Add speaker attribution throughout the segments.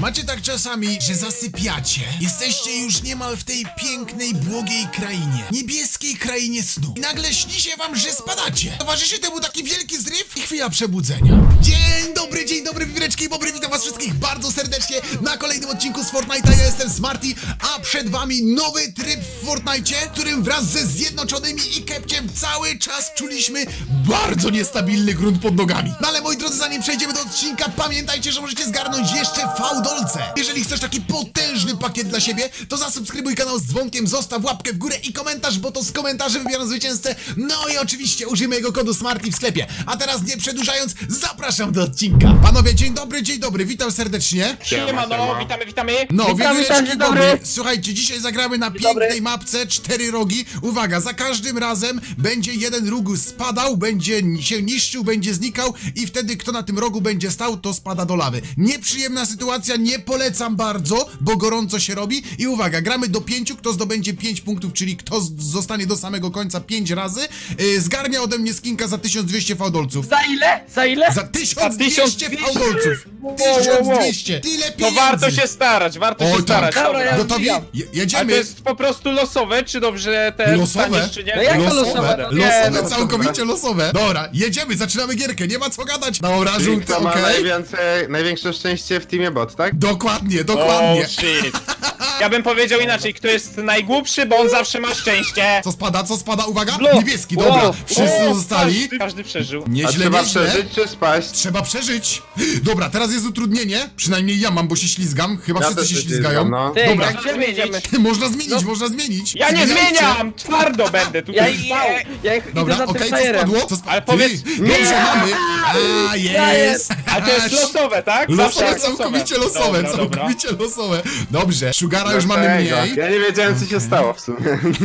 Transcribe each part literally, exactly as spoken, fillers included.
Speaker 1: Macie tak czasami, że zasypiacie. Jesteście już niemal w tej pięknej, błogiej krainie. Niebieskiej krainie snu. I nagle śni się wam, że spadacie. Towarzyszy temu taki wielki zryw i chwila przebudzenia. Dzień dobry, dzień dobry, wiwreczki i bobry. Witam was wszystkich bardzo serdecznie na kolejnym odcinku z Fortnite'a. Ja jestem Smarty, a przed wami nowy tryb w Fortnite'cie, w którym wraz ze Zjednoczonymi i Kepciem cały czas czuliśmy bardzo niestabilny grunt pod nogami. No ale moi drodzy, zanim przejdziemy do odcinka, pamiętajcie, że możecie zgarnąć jeszcze fałdolce. Jeżeli chcesz taki potężny pakiet dla siebie, to zasubskrybuj kanał z dzwonkiem, zostaw łapkę w górę i komentarz, bo to z komentarzy wybieram zwycięzcę. No i oczywiście użyj mojego kodu Smarty w sklepie. A teraz nie przedłużając, zapraszam do odcinka. Panowie, dzień dobry, dzień dobry, witam serdecznie.
Speaker 2: Siema, no, witamy, witamy.
Speaker 1: No,
Speaker 3: Witam,
Speaker 1: wieleczki
Speaker 3: witam, dzień
Speaker 1: dobry.
Speaker 3: dobry.
Speaker 1: Słuchajcie, dzisiaj zagramy na
Speaker 3: dobry.
Speaker 1: pięknej mapce cztery rogi. Uwaga, za każdym razem będzie jeden róg spadał, będzie się niszczył, będzie znikał i wtedy kto na tym rogu będzie stał, to spada do lawy. Nieprzyjemna sytuacja, nie polecam bardzo, bo gorąco się robi. I uwaga, gramy do pięciu, kto zdobędzie pięć punktów, czyli kto z- zostanie do samego końca pięć razy, yy, zgarnia ode mnie skinka za tysiąc dwieście fałdolców.
Speaker 3: Za ile? Za ile?
Speaker 1: Za tysiąc dwieście
Speaker 2: tysiąc dwieście?
Speaker 1: fałdolców!
Speaker 2: Wow, wow,
Speaker 1: tysiąc
Speaker 2: wow.
Speaker 1: dwieście! Tyle
Speaker 2: To
Speaker 1: pieniędzy!
Speaker 2: warto się starać, warto
Speaker 1: O,
Speaker 2: się
Speaker 1: tak.
Speaker 2: starać.
Speaker 3: Dobra,
Speaker 2: Dobra.
Speaker 3: ja-
Speaker 1: Gotowi?
Speaker 3: wbijam.
Speaker 1: Je-
Speaker 2: Ale to
Speaker 1: jedziemy!
Speaker 2: jest po prostu losowe, czy dobrze te
Speaker 1: Losowe?
Speaker 2: dostaniesz, czy nie?
Speaker 3: No jak to
Speaker 1: Losowe,
Speaker 3: losowe?
Speaker 1: losowe,
Speaker 3: Nie, no,
Speaker 1: całkowicie losowe. Dobra, jedziemy, zaczynamy gierkę, nie ma co gadać. Dobra,
Speaker 4: Czyli
Speaker 1: żółty,
Speaker 4: kto ma
Speaker 1: okej.
Speaker 4: najwięcej, największe szczęście w teamie bot, tak?
Speaker 1: Dokładnie, dokładnie.
Speaker 2: Oh shit. Ja bym powiedział inaczej, kto jest najgłupszy, bo on zawsze ma szczęście.
Speaker 1: Co spada, co spada, uwaga?
Speaker 2: Blue.
Speaker 1: Niebieski, dobra.
Speaker 2: Wow.
Speaker 1: Wszyscy
Speaker 2: O,
Speaker 1: zostali.
Speaker 2: Każdy, każdy przeżył.
Speaker 4: A
Speaker 1: Nieźle,
Speaker 4: trzeba
Speaker 1: nieźle.
Speaker 4: przeżyć czy spaść?
Speaker 1: Trzeba przeżyć. Dobra, teraz jest utrudnienie. Przynajmniej ja mam, bo się ślizgam. Chyba
Speaker 4: Ja
Speaker 1: wszyscy
Speaker 4: też
Speaker 1: się
Speaker 4: się
Speaker 1: ślizgają.
Speaker 4: ślizgam, no.
Speaker 3: Ty,
Speaker 1: Dobra.
Speaker 3: jak gdzie my jedziemy?
Speaker 1: Można zmienić, można zmienić.
Speaker 2: Ja nie
Speaker 1: Zmieniajcie.
Speaker 2: zmieniam! Twardo będę
Speaker 3: Ja,
Speaker 2: tutaj
Speaker 3: ja,
Speaker 2: stał.
Speaker 3: ja idę
Speaker 1: Dobra,
Speaker 3: za
Speaker 1: okej,
Speaker 3: tym
Speaker 1: co
Speaker 3: frajerem.
Speaker 1: spadło? Co sp...
Speaker 2: Ale
Speaker 1: Ty,
Speaker 2: powiedz-
Speaker 1: Dobrze, mamy. A, jest.
Speaker 2: Ale to jest
Speaker 1: Aż.
Speaker 2: losowe, tak?
Speaker 1: Losowe,
Speaker 2: Zawsze
Speaker 1: całkowicie losowe,
Speaker 2: Dobra, dobra.
Speaker 1: całkowicie losowe. Dobrze, Sugara już mamy
Speaker 4: Dlatego.
Speaker 1: mniej.
Speaker 4: Ja nie wiedziałem co się stało w sumie.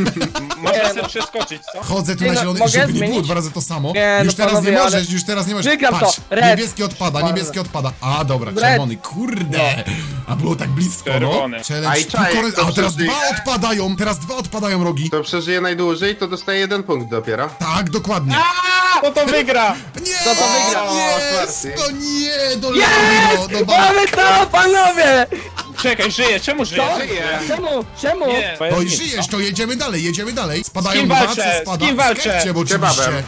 Speaker 2: Można
Speaker 3: Nie,
Speaker 2: sobie
Speaker 3: no.
Speaker 2: przeskoczyć, co?
Speaker 1: Chodzę tu
Speaker 3: Nie
Speaker 1: na
Speaker 3: no,
Speaker 1: zielony,
Speaker 3: mogę
Speaker 1: żeby nie było
Speaker 3: zmienić?
Speaker 1: dwa razy to samo.
Speaker 3: Nie,
Speaker 1: Już
Speaker 3: no
Speaker 1: teraz
Speaker 3: panowie,
Speaker 1: nie
Speaker 3: ale-
Speaker 1: możesz, już teraz nie możesz.
Speaker 3: Wygram to.
Speaker 1: Patrz,
Speaker 3: Red.
Speaker 1: niebieski odpada, niebieski odpada. A, dobra,
Speaker 3: Red.
Speaker 1: czerwony, kurde. A było tak blisko, no.
Speaker 2: Czerwony.
Speaker 4: A
Speaker 1: Challenge,
Speaker 4: i czaj,
Speaker 1: tylko-
Speaker 4: to
Speaker 1: A, teraz
Speaker 4: przeżyje.
Speaker 1: dwa odpadają, teraz dwa odpadają rogi.
Speaker 4: Kto przeżyje najdłużej, to dostaje jeden punkt dopiero.
Speaker 1: Tak, dokładnie.
Speaker 2: A, no to wygra!
Speaker 1: Nie,
Speaker 3: Kto to wygrał?
Speaker 1: Jest,
Speaker 4: Smarty.
Speaker 1: no nie, do
Speaker 3: Jest!
Speaker 1: lewo, do ba-
Speaker 3: Mamy to, panowie!
Speaker 2: Czekaj, żyję, czemu żyję?
Speaker 3: Co?
Speaker 4: Żyje.
Speaker 3: Czemu? Czemu?
Speaker 2: Nie, bo ja
Speaker 1: No i
Speaker 2: zginę.
Speaker 1: żyjesz, to jedziemy dalej, jedziemy dalej.
Speaker 2: Z
Speaker 1: Spadają
Speaker 2: kim
Speaker 1: dwa,
Speaker 2: walczę?
Speaker 1: co spada?
Speaker 2: Z kim walczę?
Speaker 1: Kepciem oczywiście.
Speaker 4: Kebabem.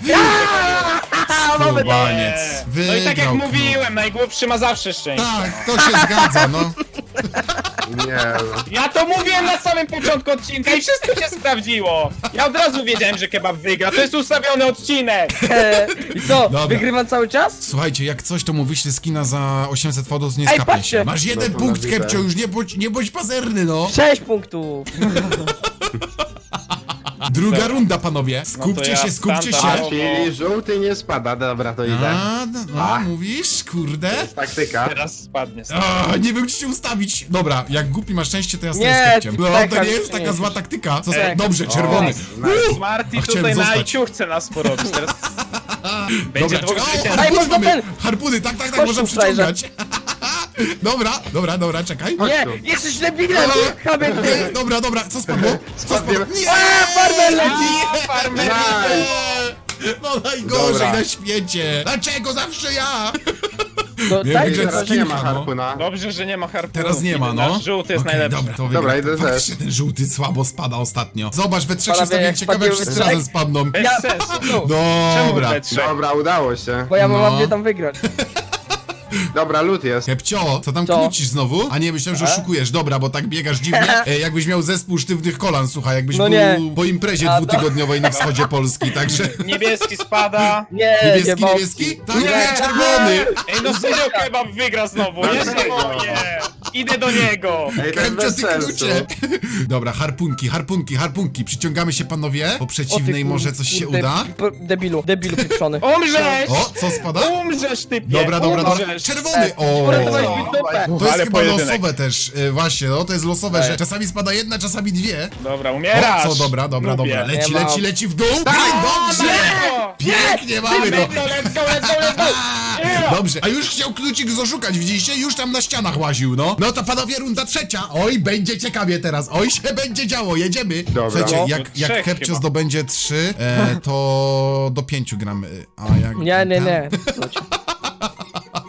Speaker 3: A, mamy to!
Speaker 1: Skubaniec.
Speaker 2: No i tak jak
Speaker 1: Wygrał,
Speaker 2: mówiłem, najgłupszy ma zawsze szczęście.
Speaker 1: Tak, to się zgadza, no.
Speaker 4: Nie no.
Speaker 2: Ja to mówiłem na samym początku odcinka i wszystko się sprawdziło. Ja od razu wiedziałem, że kebab wygra. To jest ustawiony odcinek.
Speaker 3: E, I co,
Speaker 1: Dobra.
Speaker 3: wygrywam cały czas?
Speaker 1: Słuchajcie, jak coś, to mu wyślę skina za osiemset fodów, nie
Speaker 3: Ej,
Speaker 1: skapnij
Speaker 3: patrzcie.
Speaker 1: się. Masz jeden
Speaker 4: No to
Speaker 1: punkt,
Speaker 4: na widzę.
Speaker 1: Kepcio, już nie bądź, nie bądź pazerny, no.
Speaker 3: Sześć punktów.
Speaker 1: Druga runda, panowie. Skupcie
Speaker 2: ja
Speaker 1: się, skupcie
Speaker 2: stanta-
Speaker 4: A,
Speaker 1: się.
Speaker 4: czyli żółty nie spada, dobra, to idę.
Speaker 1: A, no, no, mówisz, kurde.
Speaker 4: Taktyka.
Speaker 2: Teraz spadnie.
Speaker 1: A, nie wiem, czy się ustawić. Dobra, jak głupi masz szczęście, to ja stoję
Speaker 3: Nie,
Speaker 1: z Kepciem. No,
Speaker 3: tak,
Speaker 1: to nie
Speaker 3: tak,
Speaker 1: jest taka
Speaker 3: nie.
Speaker 1: zła taktyka. Co za...
Speaker 2: Ej.
Speaker 1: Dobrze, czerwony.
Speaker 4: nice.
Speaker 2: Smarty
Speaker 1: A chciałem
Speaker 2: tutaj na
Speaker 1: zostać.
Speaker 2: IQ chce nas porobić. Teraz będzie
Speaker 1: Dobra,
Speaker 2: dwóch
Speaker 1: czekaj. O,
Speaker 2: zwycięzców.
Speaker 3: Ej,
Speaker 1: harpuny
Speaker 3: można
Speaker 1: mamy.
Speaker 3: ten-
Speaker 1: Harpuny, tak, tak, tak,
Speaker 3: Chodź
Speaker 1: można
Speaker 3: tu, frajerze.
Speaker 1: przyciągać. Dobra, dobra, dobra, czekaj.
Speaker 3: Nie,
Speaker 4: tu.
Speaker 3: jesteś debilem! Chamie
Speaker 1: Nie,
Speaker 3: ty!
Speaker 1: dobra, dobra, co spadło? Co
Speaker 4: Spadnie.
Speaker 1: spadło? Nie!
Speaker 3: A, farmer leci!
Speaker 2: A, farmer.
Speaker 1: Nie! No najgorzej
Speaker 4: Dobra.
Speaker 1: na świecie! Dlaczego zawsze ja?
Speaker 3: No,
Speaker 1: Nie
Speaker 3: tak,
Speaker 1: wiem,
Speaker 4: Teraz
Speaker 1: że
Speaker 4: nie
Speaker 1: skinka,
Speaker 4: ma
Speaker 1: no.
Speaker 4: harpuna.
Speaker 2: Dobrze, że nie ma harpunu.
Speaker 1: Teraz nie ma, no.
Speaker 2: Nasz żółty jest
Speaker 1: Okej,
Speaker 2: najlepszy.
Speaker 1: Dobra, to
Speaker 4: Dobra,
Speaker 1: wygra.
Speaker 4: idę
Speaker 1: Faktycznie
Speaker 4: też.
Speaker 1: ten żółty słabo spada ostatnio. Zobacz, we trzech się
Speaker 3: Panowie,
Speaker 1: stawię,
Speaker 3: jak
Speaker 1: ciekawe,
Speaker 3: spadniemy
Speaker 1: wszyscy
Speaker 3: we
Speaker 1: razem
Speaker 3: trzech-
Speaker 1: spadną.
Speaker 2: Bez
Speaker 3: Ja-
Speaker 2: sensu. Czemu
Speaker 1: Dobra.
Speaker 2: we trzech?
Speaker 4: Dobra, udało się.
Speaker 3: Bo ja
Speaker 1: No.
Speaker 3: mam gdzie tam wygrać.
Speaker 4: Dobra, lód jest.
Speaker 1: Kepcio, co tam
Speaker 3: Co?
Speaker 1: kłócisz znowu? A nie, myślałem, że
Speaker 3: A?
Speaker 1: oszukujesz. Dobra, bo tak biegasz dziwnie. E, jakbyś miał zespół sztywnych kolan, słuchaj, jakbyś
Speaker 3: No
Speaker 1: był
Speaker 3: nie.
Speaker 1: po imprezie
Speaker 3: A, to-
Speaker 1: dwutygodniowej na wschodzie Polski, także...
Speaker 2: Niebieski spada.
Speaker 3: Nie,
Speaker 1: Niebieski,
Speaker 3: nie
Speaker 1: niebieski? Tak,
Speaker 3: Nie.
Speaker 1: nie, czerwony!
Speaker 2: Ej, no serio kebab wygra znowu. Nie się boję. Idę do niego.
Speaker 4: Ej, to jest
Speaker 1: Kepcio,
Speaker 4: bez
Speaker 1: ty
Speaker 4: sensu.
Speaker 1: klucze! Dobra, harpunki, harpunki, harpunki. Przyciągamy się, panowie. Po
Speaker 3: O, ty
Speaker 1: przeciwnej
Speaker 3: kur-
Speaker 1: może coś się
Speaker 3: kurde,
Speaker 1: uda.
Speaker 3: p- Debilu, debilu pieprzony.
Speaker 2: Umrzesz!
Speaker 1: O, co spada?
Speaker 2: Umrzesz, typie!
Speaker 1: Dobra, dobra, dobra.
Speaker 2: Umrzesz.
Speaker 1: Czerwony! O!
Speaker 3: Uratowałeś mi dupę.
Speaker 1: To jest
Speaker 2: Ale
Speaker 1: chyba
Speaker 2: pojedynek.
Speaker 1: losowe też, e, właśnie, no to jest losowe,
Speaker 3: Ej.
Speaker 1: że czasami spada jedna, czasami dwie.
Speaker 2: Dobra, umierasz!
Speaker 1: O, co, dobra, dobra,
Speaker 2: Lubię.
Speaker 1: dobra. Leci,
Speaker 3: Nie ma.
Speaker 1: leci, leci w dół. Ej, dobrze!
Speaker 2: Let's
Speaker 1: Pięknie mamy
Speaker 2: go,
Speaker 1: to.
Speaker 2: let's go, let's go, let's go! Yeah.
Speaker 1: Dobrze, a już chciał klucik zoszukać, widzieliście? Już tam na ścianach łaził, no. No to panowie, runda trzecia. Oj, będzie ciekawie teraz. Oj, się będzie działo, jedziemy.
Speaker 4: Dobra.
Speaker 1: Słuchajcie,
Speaker 2: No,
Speaker 1: jak,
Speaker 2: to
Speaker 1: jak
Speaker 2: trzech
Speaker 1: Kepcio
Speaker 2: chyba.
Speaker 1: zdobędzie trzy, e, to do pięciu gramy. A jak...
Speaker 3: Nie, nie, nie.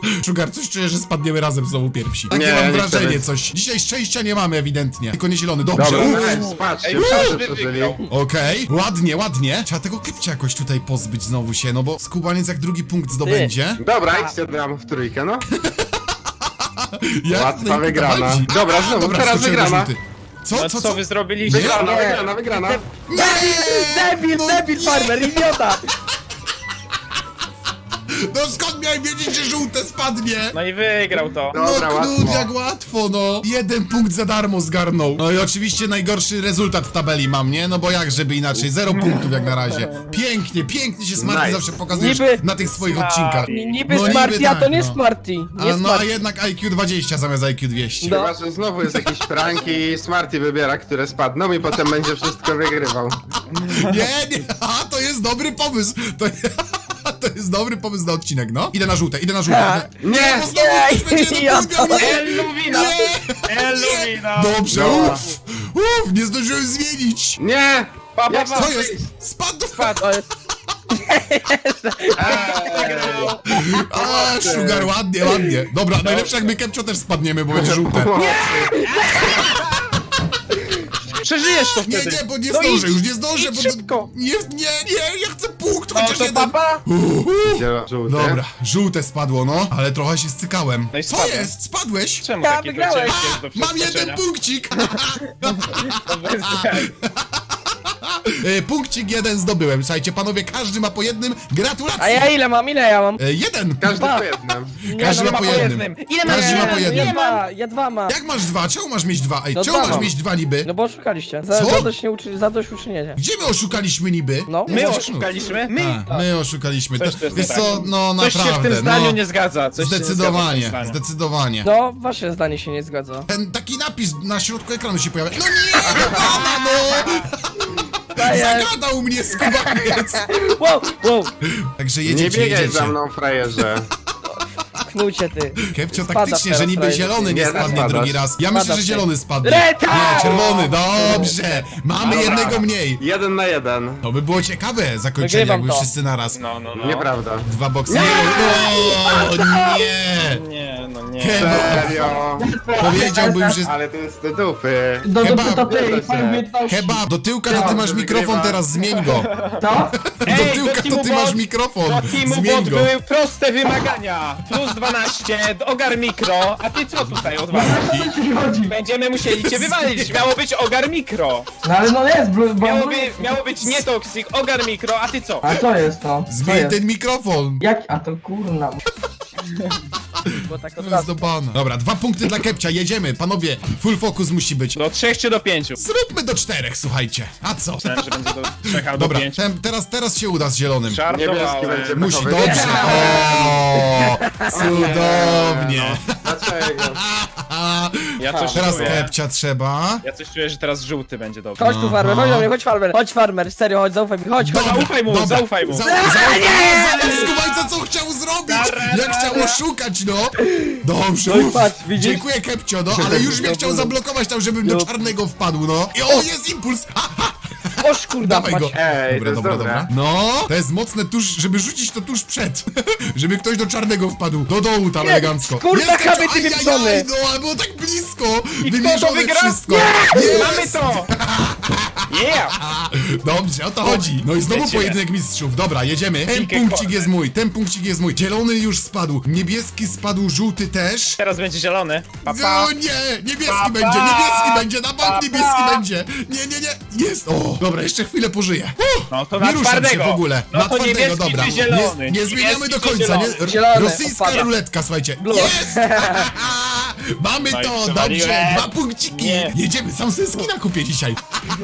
Speaker 1: Sugar, coś czuję, że spadniemy razem znowu pierwsi. Takie
Speaker 4: Nie,
Speaker 1: mam
Speaker 4: nie
Speaker 1: wrażenie,
Speaker 4: chcemy.
Speaker 1: coś. Dzisiaj szczęścia nie mamy ewidentnie. Tylko nie zielony. Dobrze.
Speaker 4: Dobra,
Speaker 1: Uff.
Speaker 4: nice, patrzcie,
Speaker 2: Ej,
Speaker 4: wszyscy
Speaker 2: każdy
Speaker 4: przeżyli.
Speaker 2: wygrał.
Speaker 1: Okej, ładnie, ładnie. Trzeba tego Kepcia jakoś tutaj pozbyć znowu się, no bo skubaniec jak drugi punkt zdobędzie.
Speaker 4: Dobra, idźcie tam w trójkę, no.
Speaker 1: Jak
Speaker 4: Łatwa
Speaker 1: tutaj
Speaker 4: wygrana.
Speaker 1: walczy?
Speaker 4: Dobra, znowu,
Speaker 1: Dobra,
Speaker 4: teraz
Speaker 1: skoczyłem do
Speaker 4: wygrana.
Speaker 1: żółty. Co,
Speaker 2: No
Speaker 1: co,
Speaker 2: co
Speaker 1: co?
Speaker 2: wy zrobiliście?
Speaker 4: Wygrana,
Speaker 3: Nie.
Speaker 4: wygrana, wygrana.
Speaker 1: Nie!
Speaker 3: Debil,
Speaker 1: No
Speaker 3: debil,
Speaker 1: nie!
Speaker 3: farmer, idiota!
Speaker 1: No skąd miałem wiedzieć, że żółte spadnie?
Speaker 2: No i wygrał to.
Speaker 4: Dobra,
Speaker 1: no Knud,
Speaker 4: łatwo.
Speaker 1: jak łatwo, no. Jeden punkt za darmo zgarnął. No i oczywiście najgorszy rezultat w tabeli mam, nie? No bo jak, żeby inaczej. Zero punktów jak na razie. Pięknie, pięknie się Smarty
Speaker 4: Nice.
Speaker 1: zawsze pokazujesz
Speaker 3: Niby-
Speaker 1: na tych swoich
Speaker 2: Smarty.
Speaker 1: odcinkach.
Speaker 3: Niby
Speaker 1: No
Speaker 3: Smarty,
Speaker 1: niby
Speaker 3: a to
Speaker 1: tak,
Speaker 3: nie
Speaker 1: no.
Speaker 3: Smarty. Nie
Speaker 1: A, no a
Speaker 3: Smarty.
Speaker 1: jednak I Q dwadzieścia zamiast I Q dwieście.
Speaker 3: No.
Speaker 4: Chyba, że znowu jest jakiś prank i Smarty wybiera, które spadną i potem będzie wszystko wygrywał.
Speaker 1: Nie, nie, a to jest dobry pomysł. To, to jest dobry pomysł na odcinek, no. Idę na żółte, idę na żółte.
Speaker 3: Ha.
Speaker 1: Idę...
Speaker 4: Nie!
Speaker 1: bo znowu
Speaker 3: Nie,
Speaker 1: ktoś będzie
Speaker 3: ja
Speaker 1: napełniał,
Speaker 3: to-
Speaker 1: nie!
Speaker 2: Elluwina!
Speaker 1: Nie!
Speaker 2: Elluwina!
Speaker 1: Dobrze,
Speaker 4: Dobra.
Speaker 1: uff, uff, nie zdążyłem zmienić.
Speaker 4: Nie!
Speaker 2: Pa, pa,
Speaker 4: Jak
Speaker 2: pa.
Speaker 1: Co jest? Spadł!
Speaker 2: Spadł.
Speaker 3: To jest...
Speaker 2: Wygrał.
Speaker 1: A, Sugar, ładnie, ładnie. Dobra, najlepsze jak my Kepcio też spadniemy, bo będzie żółte.
Speaker 2: Przeżyjesz to
Speaker 1: Nie,
Speaker 2: wtedy.
Speaker 1: nie, bo nie
Speaker 2: No
Speaker 1: zdążę,
Speaker 2: idź,
Speaker 1: już nie zdążę,
Speaker 2: idź
Speaker 1: bo...
Speaker 2: szybko.
Speaker 1: Nie, nie, nie, ja chcę punkt,
Speaker 2: No
Speaker 1: chociaż
Speaker 2: to
Speaker 1: jeden.
Speaker 2: papa.
Speaker 1: Uhu.
Speaker 4: Żółty.
Speaker 1: Dobra, żółte spadło, no, ale trochę się stykałem.
Speaker 2: No i
Speaker 1: Co
Speaker 2: spadłem.
Speaker 1: jest? Spadłeś?
Speaker 2: Czemu
Speaker 3: Ja
Speaker 2: taki
Speaker 3: wygrałem.
Speaker 2: ciężki jest do
Speaker 1: Mam jeden
Speaker 2: przeskoczenia?
Speaker 1: punkcik!
Speaker 2: To bez jaj.
Speaker 1: E, Punkcik jeden zdobyłem. Słuchajcie, panowie, każdy ma po jednym. Gratulacje!
Speaker 3: A ja ile mam? Ile ja mam?
Speaker 1: E, Jeden!
Speaker 4: Każdy
Speaker 3: Dwa.
Speaker 4: po jednym.
Speaker 1: Każdy
Speaker 2: no,
Speaker 1: ma po jednym.
Speaker 2: Ile
Speaker 1: Każdy
Speaker 2: masz?
Speaker 1: ma po
Speaker 3: Ja
Speaker 1: jednym.
Speaker 3: dwa, ja dwa mam.
Speaker 1: Jak masz dwa? Czemu masz mieć dwa? Ej,
Speaker 3: No
Speaker 1: czemu
Speaker 3: dwa
Speaker 1: masz
Speaker 3: mam.
Speaker 1: mieć dwa niby?
Speaker 3: No bo oszukaliście. Za,
Speaker 1: Co?
Speaker 3: zadość nie uczy, zadość uczynienie.
Speaker 1: Gdzie my oszukaliśmy niby?
Speaker 3: No.
Speaker 2: My
Speaker 1: Jesteś
Speaker 2: oszukaliśmy?
Speaker 1: Knud.
Speaker 2: My?
Speaker 1: A, my oszukaliśmy.
Speaker 2: Coś
Speaker 1: To,
Speaker 2: tu jest
Speaker 1: wiesz
Speaker 2: nie
Speaker 1: co,
Speaker 2: tak.
Speaker 1: no
Speaker 2: Coś
Speaker 1: naprawdę.
Speaker 2: się w tym zdaniu
Speaker 1: no,
Speaker 2: nie zgadza. Coś się nie zgadza w tym
Speaker 1: Zdecydowanie,
Speaker 2: zdaniu.
Speaker 1: zdecydowanie.
Speaker 3: No, wasze zdanie się nie zgadza.
Speaker 1: Ten taki napis na środku ekranu się pojawia. No nie, pana, no!
Speaker 3: Daję.
Speaker 1: Zagadał mnie skubaniec!
Speaker 3: Wow, wow.
Speaker 1: Także
Speaker 4: Nie
Speaker 1: jedziecie,
Speaker 4: biegaj
Speaker 1: jedziecie.
Speaker 4: za mną, frajerze.
Speaker 3: Knucie ty.
Speaker 1: Kepcio
Speaker 3: Spadasz
Speaker 1: taktycznie,
Speaker 3: teraz,
Speaker 1: że niby
Speaker 3: frajerze.
Speaker 1: zielony nie
Speaker 4: Nie,
Speaker 1: spadnie
Speaker 4: spadasz.
Speaker 1: drugi raz. Ja myślę,
Speaker 3: Spadasz
Speaker 1: że
Speaker 3: ty.
Speaker 1: zielony spadnie.
Speaker 3: Reta!
Speaker 1: Nie, czerwony, dobrze. Mamy
Speaker 2: Dobra.
Speaker 1: jednego mniej.
Speaker 4: Jeden na jeden.
Speaker 1: To by było ciekawe zakończenie,
Speaker 3: Wygrywam
Speaker 1: jakby
Speaker 3: to.
Speaker 1: wszyscy naraz.
Speaker 2: No, no, no.
Speaker 4: Nieprawda.
Speaker 1: Dwa boksy. Nie! O, nie!
Speaker 2: Nie, no nie.
Speaker 1: Kebab.
Speaker 4: Serio?
Speaker 1: Powiedziałbym, że...
Speaker 4: Ale to jest do dupy.
Speaker 5: Do
Speaker 1: Kebab.
Speaker 5: dupy to ty
Speaker 4: Zgadza
Speaker 5: i
Speaker 4: się.
Speaker 5: pan umiejętności.
Speaker 1: Kebab, do tyłka to ty
Speaker 4: Ja,
Speaker 1: masz
Speaker 4: że
Speaker 1: mikrofon
Speaker 4: wygrywa.
Speaker 1: teraz, zmień go.
Speaker 5: Co?
Speaker 1: Do
Speaker 2: Ej,
Speaker 1: tyłka
Speaker 2: do
Speaker 1: to
Speaker 2: Teamu
Speaker 1: ty masz
Speaker 2: Bot-
Speaker 1: mikrofon,
Speaker 2: Do Teamu
Speaker 1: zmień
Speaker 2: Bot
Speaker 1: go.
Speaker 2: były proste wymagania. Plus dwanaście, ogar mikro. A ty co tutaj odwalasz?
Speaker 5: Co ci chodzi?
Speaker 2: Będziemy musieli cię wywalić. Miało być ogar mikro.
Speaker 5: No ale no jest, bo... bo
Speaker 2: Miało, by, miało być nie toxic, ogar mikro, a ty co?
Speaker 5: A co jest to? Co
Speaker 1: Zmień
Speaker 5: jest?
Speaker 1: ten mikrofon.
Speaker 5: Jak? A to kurna.
Speaker 3: Bo tak od
Speaker 1: To jest
Speaker 3: razu.
Speaker 1: do bana. Dobra, dwa punkty dla Kepcia, jedziemy. Panowie, full focus musi być.
Speaker 2: Do trzech czy do pięciu?
Speaker 1: Zróbmy do czterech, słuchajcie. A co?
Speaker 2: Myślałem, że będzie do trzech albo
Speaker 1: Dobra,
Speaker 2: pięciu.
Speaker 1: tem, teraz, teraz się uda z zielonym.
Speaker 4: Niebieski
Speaker 2: Żartowałem.
Speaker 4: będzie
Speaker 1: Musi,
Speaker 4: pechowy.
Speaker 1: dobrze. O, cudownie.
Speaker 4: Dlaczego?
Speaker 2: Ja coś
Speaker 1: Teraz
Speaker 2: czuję.
Speaker 1: Kepcia trzeba.
Speaker 2: Ja coś czuję, że teraz żółty będzie dobry.
Speaker 3: Chodź tu farmer, chodź do mnie, chodź farmer. Chodź farmer, serio, chodź, zaufaj mi, chodź, chodź.
Speaker 2: Zaufaj mu,
Speaker 1: Dobra.
Speaker 2: zaufaj mu.
Speaker 1: Za- Zaufaj Skubańca, co chciał zrobić? Jak chciał oszukać, no. Dobrze,
Speaker 3: No i
Speaker 1: uff.
Speaker 3: patrz, widzisz?
Speaker 1: Dziękuję, Kepcio, no, ale już mnie chciał zablokować tam, żebym do
Speaker 3: No.
Speaker 1: czarnego wpadł, no. I o, jest impuls! Ha,
Speaker 3: Oż kurda,
Speaker 1: dawaj go.
Speaker 3: mać.
Speaker 4: Ej, to
Speaker 1: Dobra,
Speaker 4: jest
Speaker 1: dobra,
Speaker 4: dobre.
Speaker 1: dobra. No, to jest mocne tuż, żeby rzucić to tuż przed. Żeby ktoś do czarnego wpadł. Do dołu tam
Speaker 3: Nie,
Speaker 1: elegancko.
Speaker 3: kurwa,
Speaker 1: Jest, Kepcio,
Speaker 3: chamy, ty
Speaker 1: ajajaj,
Speaker 3: pieprzony.
Speaker 1: no, ale było tak blisko.
Speaker 2: I kto to
Speaker 1: Wymierzone
Speaker 2: wygra?
Speaker 1: wszystko.
Speaker 2: Nie!
Speaker 1: Jest.
Speaker 2: Mamy to! Yeah!
Speaker 1: Dobrze, o to chodzi. No i znowu
Speaker 2: Lecimy.
Speaker 1: pojedynek mistrzów. Dobra, jedziemy. Ten
Speaker 2: Piłkę
Speaker 1: punkcik
Speaker 2: korny.
Speaker 1: jest mój, ten punkcik jest mój. Zielony już spadł, niebieski spadł, żółty też.
Speaker 2: Teraz będzie zielony. Pa, pa.
Speaker 1: No nie, niebieski
Speaker 2: Pa,
Speaker 1: będzie,
Speaker 2: pa.
Speaker 1: niebieski będzie, na bank
Speaker 2: Pa,
Speaker 1: niebieski
Speaker 2: pa.
Speaker 1: będzie. Nie, nie, nie, jest. O, dobra, jeszcze chwilę pożyję. Uff,
Speaker 2: No to
Speaker 1: nie
Speaker 2: na
Speaker 1: ruszam się
Speaker 2: twardego.
Speaker 1: w ogóle.
Speaker 2: No
Speaker 1: na
Speaker 2: to
Speaker 1: twardego,
Speaker 2: niebieski
Speaker 1: dobra.
Speaker 2: czy zielony?
Speaker 1: Nie, nie zmieniamy do
Speaker 2: Niebieski czy
Speaker 1: końca, nie?
Speaker 2: zielony?
Speaker 1: R-
Speaker 3: Zielony,
Speaker 1: Rosyjska
Speaker 3: odpada.
Speaker 1: ruletka, słuchajcie.
Speaker 3: Blue.
Speaker 1: Jest! Mamy
Speaker 2: No i
Speaker 1: to, dobrze,
Speaker 2: przewaliłem.
Speaker 1: dwa punkciki.
Speaker 2: Nie.
Speaker 1: Jedziemy, sam sobie skina kupię dzisiaj.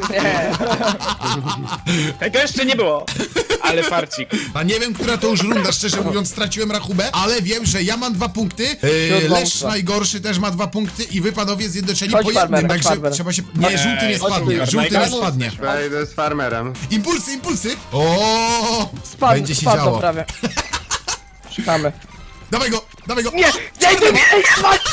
Speaker 2: Tego jeszcze nie było. Ale farcik.
Speaker 1: A nie wiem, która to już runda, szczerze mówiąc, straciłem rachubę, ale wiem, że ja mam dwa punkty, yy,
Speaker 3: Siódma
Speaker 1: Lesz
Speaker 3: ósma.
Speaker 1: najgorszy też ma dwa punkty i wy panowie zjednoczeni
Speaker 3: Chodź,
Speaker 1: po jednym,
Speaker 3: farmer, chodź,
Speaker 1: także
Speaker 3: farmer.
Speaker 1: trzeba się... Nie, żółty nie
Speaker 2: Chodź,
Speaker 1: spadnie,
Speaker 2: chodź,
Speaker 1: żółty nie
Speaker 2: najgorszy.
Speaker 1: spadnie.
Speaker 4: Ja idę z farmerem.
Speaker 1: Impulsy, impulsy! O,
Speaker 3: Spadł,
Speaker 1: będzie się
Speaker 3: spadł
Speaker 1: działo.
Speaker 3: prawie. Szukamy.
Speaker 1: Dawaj go, dawaj go!
Speaker 3: Nie, nie, nie, nie, chodź!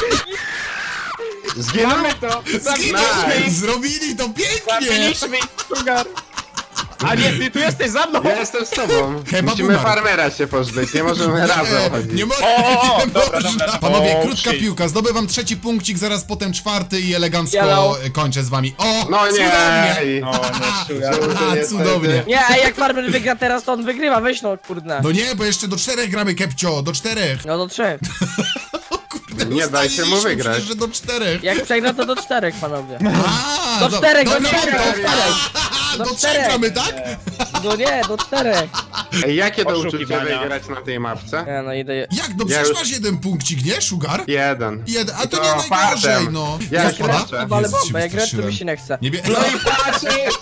Speaker 4: Zginął?
Speaker 2: Mamy to!
Speaker 1: Zginął!
Speaker 2: Zabiliśmy ich!
Speaker 1: Zrobili to pięknie!
Speaker 2: Zabiliśmy ich, sugar! A nie, ty tu jesteś za mną!
Speaker 4: Ja jestem z tobą.
Speaker 1: Kebab
Speaker 4: Musimy
Speaker 1: umarł.
Speaker 4: farmera się pozbyć, nie możemy razem chodzić.
Speaker 1: Nie, mo
Speaker 2: O, o, o,
Speaker 1: nie
Speaker 2: dobra,
Speaker 1: można.
Speaker 2: dobra.
Speaker 1: Panowie,
Speaker 2: O,
Speaker 1: krótka
Speaker 2: shit.
Speaker 1: piłka. Zdobywam trzeci punkcik, zaraz potem czwarty i elegancko
Speaker 3: Yellow.
Speaker 1: kończę z wami. O,
Speaker 4: No nie!
Speaker 1: cudownie.
Speaker 2: O, nie, Sugar.
Speaker 1: A,
Speaker 4: Niestety.
Speaker 1: cudownie.
Speaker 3: Nie, a jak farmer wygra teraz, to on wygrywa, weź no, kurde.
Speaker 1: No nie, bo jeszcze do czterech gramy, Kepcio, do czterech.
Speaker 3: No do trzech.
Speaker 1: Kurde,
Speaker 4: Nie daj się mu
Speaker 1: ustaliliśmy
Speaker 4: wygrać.
Speaker 1: przecież, że do czterech.
Speaker 3: Jak przegra, to do czterech, panowie.
Speaker 1: A,
Speaker 3: Do czterech, do
Speaker 1: dobra,
Speaker 3: czterech,
Speaker 1: dobra.
Speaker 3: do czterech.
Speaker 1: Do
Speaker 3: Do
Speaker 1: trzech
Speaker 3: czterech.
Speaker 1: gramy, tak?
Speaker 3: No nie, do czterech.
Speaker 4: Ej, jakie to uczucie
Speaker 2: Poszukiwania.
Speaker 4: wygrać na tej mapce?
Speaker 3: Nie no, idę...
Speaker 1: Jak? No
Speaker 4: Ja
Speaker 1: przecież
Speaker 4: już-
Speaker 1: masz jeden punkcik, nie, Sugar?
Speaker 4: Jeden.
Speaker 1: Jeden, a to
Speaker 4: To
Speaker 1: nie najgorzej,
Speaker 4: fartem.
Speaker 1: no.
Speaker 4: Ja
Speaker 1: Co
Speaker 4: już
Speaker 1: spada?
Speaker 4: patrzę.
Speaker 3: Ale
Speaker 1: Jezus, się
Speaker 3: bombę, jak grać, to
Speaker 1: wystraszyłem.
Speaker 3: mi się nie chce.
Speaker 1: Nie bie...
Speaker 4: No i patrz!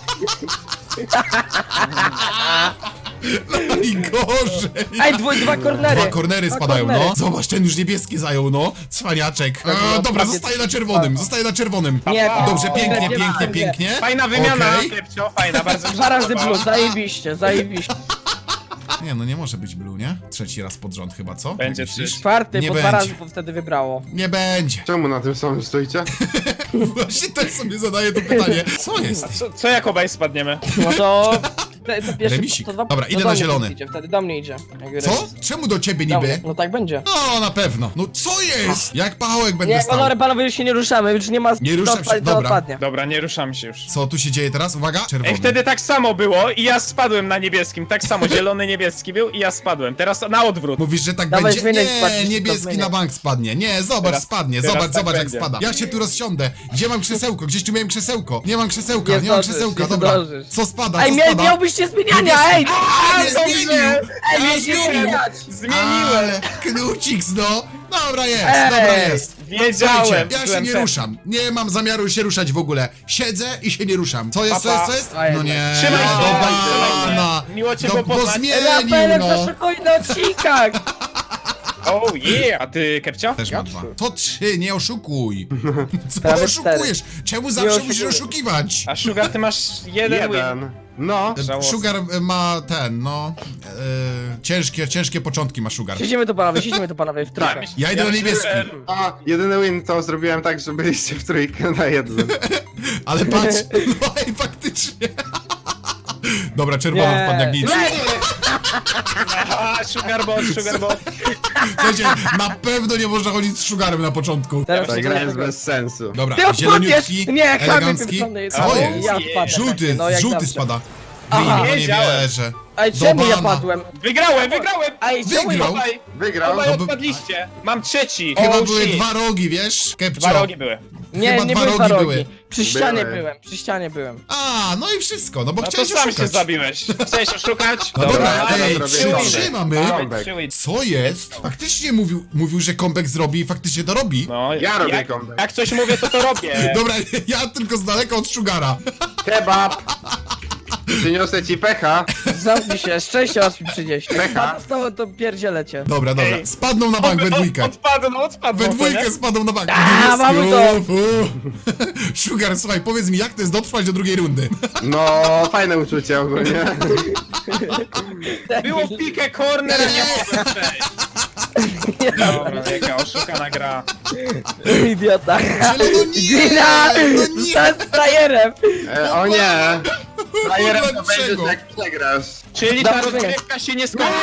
Speaker 1: Najgorzej.
Speaker 3: Ej, dwu, dwa kornery.
Speaker 1: Dwa kornery
Speaker 3: Dwa
Speaker 1: spadają,
Speaker 3: kornery.
Speaker 1: no. Zobacz, ten już niebieski zajął, no. Cwaniaczek.
Speaker 3: no,
Speaker 1: E, dobra,
Speaker 3: prawie-
Speaker 1: zostaje na czerwonym, zostaje na czerwonym.
Speaker 3: Nie,
Speaker 1: Dobrze,
Speaker 3: nie,
Speaker 1: pięknie,
Speaker 3: nie,
Speaker 1: pięknie,
Speaker 3: nie.
Speaker 1: pięknie.
Speaker 2: Fajna wymiana,
Speaker 1: Okej.
Speaker 2: Kepcio, fajna, bardzo mi się
Speaker 3: Dwa razy
Speaker 2: podoba.
Speaker 3: blue, zajebiście, zajebiście.
Speaker 1: Nie, no nie może być blue, nie? Trzeci raz pod rząd chyba, co?
Speaker 2: Będzie
Speaker 1: Jak myślisz?
Speaker 2: trzy.
Speaker 3: Czwarty,
Speaker 1: Nie
Speaker 3: bo dwa
Speaker 1: będzie.
Speaker 3: razy bo wtedy wybrało.
Speaker 1: Nie będzie.
Speaker 4: Czemu na tym samym stoicie?
Speaker 1: Właśnie też sobie zadaję to pytanie. Co jest?
Speaker 2: Co, co jak obaj spadniemy?
Speaker 3: No to... te- to pierwszy,
Speaker 1: Remisik.
Speaker 3: to dwa,
Speaker 1: Dobra,
Speaker 3: to
Speaker 1: idę
Speaker 3: do
Speaker 1: na
Speaker 3: mnie
Speaker 1: zielony.
Speaker 3: Idzie, wtedy do mnie idzie. Jak
Speaker 1: Co?
Speaker 3: remis.
Speaker 1: Czemu do ciebie
Speaker 3: Do mnie.
Speaker 1: niby?
Speaker 3: No tak będzie.
Speaker 1: No, na pewno. No co jest? Jak pachołek będę
Speaker 3: Nie,
Speaker 1: stał?
Speaker 3: panowie, panowie, już się nie ruszamy, już nie ma...
Speaker 1: Nie ruszam
Speaker 3: to
Speaker 1: się,
Speaker 3: odpadnie, to
Speaker 1: dobra.
Speaker 3: odpadnie.
Speaker 2: Dobra, nie ruszamy się już.
Speaker 1: Co tu się dzieje teraz? Uwaga, czerwony.
Speaker 2: Ej, wtedy tak samo było i ja spadłem na niebieskim. Tak samo, zielony, niebieski był i ja spadłem. Teraz na odwrót.
Speaker 1: Mówisz, że tak
Speaker 3: Dawaj,
Speaker 1: będzie?
Speaker 3: zmieniaj,
Speaker 1: Nie,
Speaker 3: spadnie,
Speaker 1: niebieski
Speaker 3: zmieniaj.
Speaker 1: na bank spadnie. Nie, zobacz,
Speaker 2: Teraz-
Speaker 1: spadnie.
Speaker 2: teraz
Speaker 1: Zobacz,
Speaker 2: tak
Speaker 1: zobacz jak
Speaker 2: będzie.
Speaker 1: spada. Ja się tu rozsiądę. Gdzie mam krzesełko? Gdzieś tu miałem krzesełko. Nie mam krzesełka,
Speaker 3: Nie
Speaker 1: nie, mam
Speaker 3: zdążysz,
Speaker 1: krzesełka,
Speaker 3: nie
Speaker 1: dobra.
Speaker 3: zdążysz.
Speaker 1: Co spada,
Speaker 3: Ej,
Speaker 1: co
Speaker 3: mia
Speaker 1: spada?
Speaker 3: miałbyście zmieniania, ej!
Speaker 1: A, nie
Speaker 3: dobrze.
Speaker 1: zmienił!
Speaker 3: Ej,
Speaker 1: A,
Speaker 3: mieliście
Speaker 1: zmienił!
Speaker 3: zmieniać!
Speaker 2: Zmieniłem!
Speaker 1: Ale knuciks, no! Dobra jest,
Speaker 3: Ej!
Speaker 1: dobra jest.
Speaker 2: Wiedziałem!
Speaker 1: Słuchajcie, ja się
Speaker 2: byłem
Speaker 1: nie
Speaker 2: pewny.
Speaker 1: ruszam. Nie mam zamiaru się ruszać w ogóle. Siedzę i się nie ruszam. Co jest, co
Speaker 2: Papa.
Speaker 1: jest, co jest?
Speaker 3: A,
Speaker 1: No
Speaker 3: jednak.
Speaker 1: nie,
Speaker 2: Trzymaj się,
Speaker 1: do
Speaker 2: trzymaj się.
Speaker 1: bana.
Speaker 2: Miło cię
Speaker 1: No,
Speaker 2: było
Speaker 1: bo
Speaker 2: poznać.
Speaker 1: zmienił,
Speaker 3: Rafaelek
Speaker 1: no.
Speaker 3: zaszukuje na odcinkach!
Speaker 2: Oh yeah! A ty, Kepcio?
Speaker 1: Też ma dwa. To trzy, nie oszukuj. Co
Speaker 3: Prawie
Speaker 1: oszukujesz? Czemu zawsze
Speaker 3: oszukuję.
Speaker 1: musisz oszukiwać?
Speaker 2: A Sugar, ty masz jeden, win.
Speaker 4: Jeden. No.
Speaker 2: Żałosne.
Speaker 1: Sugar e, ma ten, no... E, ciężkie, ciężkie początki ma Sugar.
Speaker 3: Siedzimy tu panowie, siedzimy tu panowie w trójkę.
Speaker 2: myśl-
Speaker 1: Ja idę na
Speaker 2: myślę,
Speaker 1: niebieski.
Speaker 2: że-
Speaker 4: A, jedyny win to zrobiłem tak, że byliście w trójkę na jednym.
Speaker 1: Ale patrz, no i faktycznie. Dobra, czerwony
Speaker 3: Nie.
Speaker 1: wpadł jak nic.
Speaker 2: A, Sugar bot, Sugar bot.
Speaker 1: Słuchajcie, na pewno nie można chodzić z Sugarem na początku.
Speaker 3: Teraz
Speaker 4: Ta gra jest
Speaker 3: tego-
Speaker 4: bez sensu.
Speaker 1: Dobra,
Speaker 3: Ty odpadniesz!
Speaker 1: zieloniutki,
Speaker 3: Nie, chamie
Speaker 1: elegancki.
Speaker 3: pieprzony.
Speaker 1: Co
Speaker 3: O,
Speaker 1: jest?
Speaker 3: ja odpadnę.
Speaker 1: Żółty,
Speaker 3: No, jak
Speaker 1: żółty
Speaker 3: zawsze.
Speaker 1: spada.
Speaker 3: Aha.
Speaker 1: No nie
Speaker 2: Wiedziałem.
Speaker 1: wierzę.
Speaker 3: Ej,
Speaker 1: Do
Speaker 3: czemu ja
Speaker 1: bana.
Speaker 3: padłem?
Speaker 2: Wygrałem, wygrałem!
Speaker 3: Ej, czemu ja...
Speaker 1: Wygrał?
Speaker 2: Obaj,
Speaker 4: Wygrał.
Speaker 2: obaj
Speaker 1: No bo-
Speaker 2: odpadliście. Mam trzeci.
Speaker 1: Chyba
Speaker 2: Oh,
Speaker 1: były
Speaker 2: shit.
Speaker 1: dwa rogi, wiesz? Kepcio.
Speaker 2: Dwa rogi były.
Speaker 3: Nie,
Speaker 1: Chyba
Speaker 3: nie
Speaker 1: dwa
Speaker 3: były
Speaker 1: rogi
Speaker 3: dwa
Speaker 1: były.
Speaker 3: rogi. Przy ścianie
Speaker 4: Były.
Speaker 3: byłem, przy ścianie byłem.
Speaker 1: A, no i wszystko, no bo
Speaker 2: No to
Speaker 1: chciałeś
Speaker 2: sam się
Speaker 1: oszukać.
Speaker 2: zabiłeś. Chciałeś oszukać?
Speaker 1: No dobra,
Speaker 2: ale
Speaker 1: ej,
Speaker 4: zrobię
Speaker 1: trzy,
Speaker 4: comeback.
Speaker 1: trzy mamy.
Speaker 4: Comeback.
Speaker 2: Trzy win.
Speaker 1: Co jest? Faktycznie mówił, mówił, że comeback zrobi i faktycznie to robi.
Speaker 2: No,
Speaker 4: Ja robię
Speaker 2: jak,
Speaker 4: comeback.
Speaker 2: jak coś mówię, to to robię.
Speaker 1: Dobra, ja tylko z daleka od Sugara.
Speaker 4: Kebab! Przyniosę ci pecha.
Speaker 3: Zamknij się, szczęście aż mi przynieść.
Speaker 4: Pecha.
Speaker 3: A zostało to pierdzielecie.
Speaker 1: Dobra, dobra,
Speaker 2: Ej.
Speaker 1: spadną na bank we dwójkę.
Speaker 2: Odpadną, odpadną.
Speaker 1: We
Speaker 2: to
Speaker 1: dwójkę
Speaker 2: nie?
Speaker 1: spadną na bank.
Speaker 3: A,
Speaker 1: Niebieski,
Speaker 3: mamy to.
Speaker 1: uf, uf. Sugar, słuchaj, powiedz mi, jak to jest dotrwać do drugiej rundy?
Speaker 4: No, fajne uczucie ogólnie.
Speaker 2: Było w pikę corner, a nie mogłem przejść. Dobra, jaka oszukana gra.
Speaker 3: Idiota.
Speaker 1: Ale no nie,
Speaker 3: Gina!
Speaker 1: no nie.
Speaker 3: Zostałem z frajerem!
Speaker 4: E, o nie! Frajerem to
Speaker 1: Dlaczego?
Speaker 4: będziesz jak przegrasz.
Speaker 2: Czyli ta
Speaker 3: Dobrze.
Speaker 2: rozgrywka się nie skończy.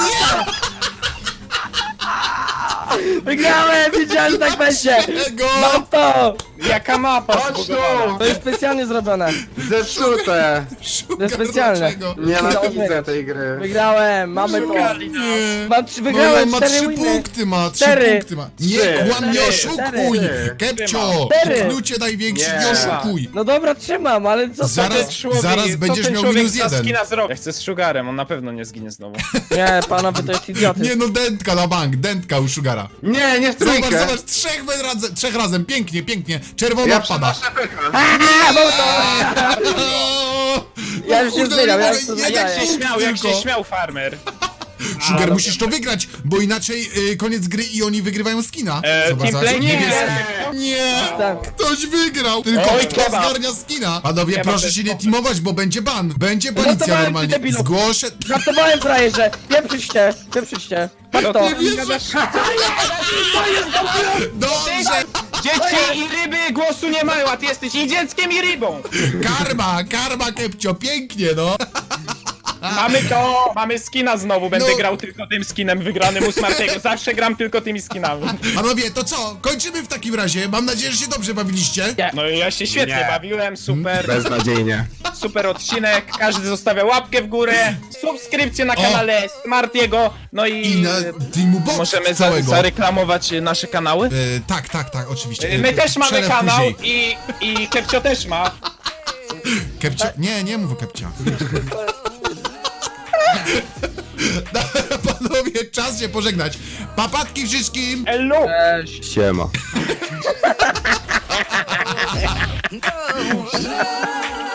Speaker 3: Wygrałem! Wiedziałem, że tak będzie!
Speaker 1: Czego?
Speaker 3: Mam to!
Speaker 2: Jaka mapa
Speaker 4: Chodź
Speaker 2: zbugowana.
Speaker 3: To jest specjalnie zrobione.
Speaker 4: Zepsute!
Speaker 1: Sugar,
Speaker 3: To jest specjalne.
Speaker 1: dlaczego?
Speaker 4: Nienawidzę tej gry.
Speaker 3: Wygrałem, mamy to.
Speaker 2: Oszukali nas.
Speaker 1: Nie.
Speaker 3: Mam trzy,
Speaker 1: No,
Speaker 3: wygrałem
Speaker 1: on ma
Speaker 3: cztery
Speaker 1: trzy
Speaker 3: winy.
Speaker 1: punkty, ma trzy
Speaker 3: Cztery.
Speaker 1: punkty ma. Nie,
Speaker 4: Trzy.
Speaker 1: kłam, nie
Speaker 3: Cztery.
Speaker 1: oszukuj!
Speaker 4: Cztery.
Speaker 1: Kepcio!
Speaker 3: Cztery.
Speaker 1: Knucie największy, nie
Speaker 4: Nie.
Speaker 1: oszukuj!
Speaker 3: No dobra, trzymam, ale co
Speaker 1: Zaraz-
Speaker 3: to?
Speaker 2: Człowiek-
Speaker 1: zaraz
Speaker 2: co
Speaker 1: będziesz
Speaker 2: ten
Speaker 1: miał
Speaker 2: człowiek
Speaker 1: minus
Speaker 2: za
Speaker 1: jeden.
Speaker 2: skina zrobi? Ja chcę z Sugarem, on na pewno nie zginie znowu.
Speaker 3: Nie, panowie, to jest idiotyzm.
Speaker 1: Nie no, dętka na bank, dętka u Sugara.
Speaker 4: Nie, nie w
Speaker 1: Zobacz,
Speaker 4: trójkę!
Speaker 1: zobacz, trzech razem, trzech razem, pięknie, pięknie. Czerwono
Speaker 4: Ja
Speaker 1: odpada.
Speaker 4: przynoszę pecha.
Speaker 3: A, mam to!
Speaker 1: O,
Speaker 3: Ja już się
Speaker 1: kurde,
Speaker 3: zmieniam,
Speaker 1: nie
Speaker 3: ja
Speaker 1: mogę,
Speaker 3: już to
Speaker 1: jeden
Speaker 2: Jak
Speaker 3: zmieniam.
Speaker 2: się śmiał, jak
Speaker 1: tylko.
Speaker 2: się śmiał farmer.
Speaker 1: Sugar, musisz to wygrać, bo inaczej y, koniec gry i oni wygrywają skina.
Speaker 2: E,
Speaker 1: Zobacz,
Speaker 2: team
Speaker 1: zobacz,
Speaker 2: play? Nie.
Speaker 1: niebieski. Nie!
Speaker 3: Tak.
Speaker 1: Ktoś wygrał! Tylko
Speaker 2: Oj,
Speaker 1: kto
Speaker 2: kebab.
Speaker 1: zgarnia skina? Panowie,
Speaker 2: Kebab
Speaker 1: proszę
Speaker 2: to jest
Speaker 1: się nie
Speaker 2: dobre.
Speaker 1: teamować, bo będzie ban. Będzie policja
Speaker 3: Żartowałem,
Speaker 1: normalnie.
Speaker 3: ty debilu.
Speaker 1: Zgłoszę...
Speaker 3: Żartowałem, frajerze! Pieprzyć cię, pieprzyć cię. Patrz to!
Speaker 1: Nie wierzę. Dobrze!
Speaker 2: Dzieci i ryby głosu nie mają, a ty jesteś i dzieckiem, i rybą.
Speaker 1: Karma, karma, Kepcio, pięknie, no.
Speaker 2: Mamy to, mamy skina znowu, będę
Speaker 1: No.
Speaker 2: grał tylko tym skinem wygranym u Smartiego. Zawsze gram tylko tymi skinami.
Speaker 1: Panowie, to co? Kończymy w takim razie. Mam nadzieję, że się dobrze bawiliście.
Speaker 2: No i ja się świetnie
Speaker 4: Nie.
Speaker 2: bawiłem, super,
Speaker 4: Beznadziejnie.
Speaker 2: super odcinek. Każdy zostawia łapkę w górę, subskrypcję na
Speaker 1: O.
Speaker 2: kanale Smartiego, no i,
Speaker 1: I na Teamu Box
Speaker 2: możemy za,
Speaker 1: całego.
Speaker 2: zareklamować e, nasze kanały.
Speaker 1: E, tak, tak, tak, oczywiście.
Speaker 2: E, My też mamy
Speaker 1: Przelew
Speaker 2: kanał
Speaker 1: później.
Speaker 2: i, i Kepcio też ma.
Speaker 1: Kepcio... Nie, nie mów o Kepcia. Panowie, czas się pożegnać. Papatki wszystkim!
Speaker 2: Elu!
Speaker 3: Cześć.
Speaker 4: Siema.